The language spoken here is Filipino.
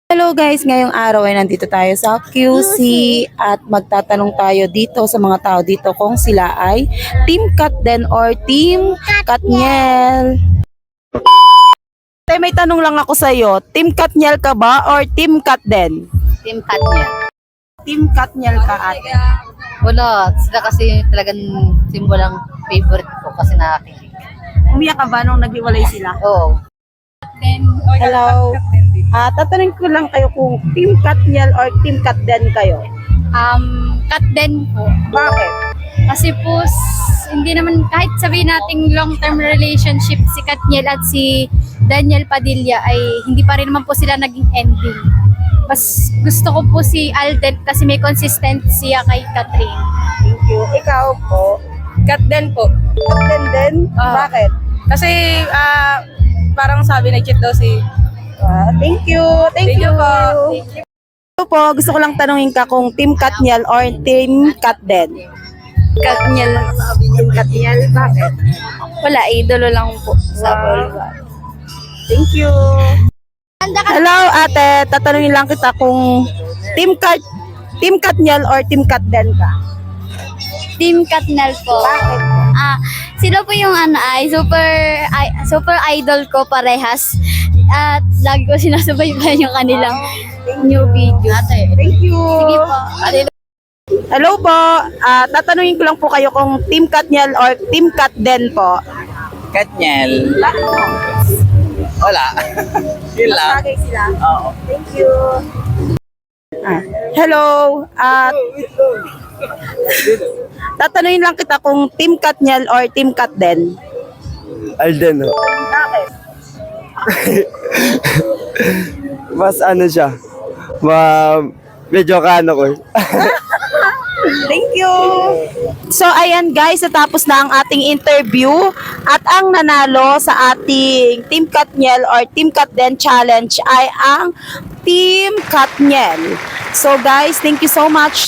Hello guys, ngayong araw ay nandito tayo sa QC at magtatanong tayo dito sa mga tao dito kung sila ay Team Katden or Team Katniel. May tanong lang ako sa iyo, Team Katniel ka ba or Team Katden? Team Katniel. Team Katniel ka ate. Wala, sila kasi talagang simbolang favorite ko kasi nakakilig. Umiyak ka ba nung naghiwalay sila? Oo. Hello. Tatanungin ko lang kayo kung Team Katniel or Team Katden kayo. Katden po. Bakit? Kasi po, hindi naman, kahit sabihin nating long-term relationship si Katniel at si Daniel Padilla ay hindi pa rin naman po sila naging ending. Mas gusto ko po si Alden kasi may consistency siya kay Catherine. Thank you. Ikaw po? Katden po. Katden din? Bakit? Kasi parang sabi nag-cheat daw si... Thank you. Thank you po. Ito po, gusto ko lang tanungin ka kung Team Katniel or Team Katden. Katniel. Team Katniel, bakit? Wala, idolo lang po sa Thank you. Hello ate, tatanungin lang kita kung Team Katniel or Team Katden ka. Team Katniel po. Bakit? Sila po yung super idol ko parehas. At lagi ko sinasubaybayan yung kanilang new video. Thank you. Sige po. Hello po, tatanungin ko lang po kayo kung Team Katniel or Team Katden po. Katniel. Wala. Yun lang. Bagay sila. Oo. Thank you. Hello. Tatanungin lang kita kung Team Katniel or Team Katden. Alden. Bakit? Mas ano siya. Medyo kano ko. Thank you. So ayan guys, natapos na ang ating interview at ang nanalo sa ating Team Katniel or Team Katden challenge ay ang Team Katniel. So guys, thank you so much.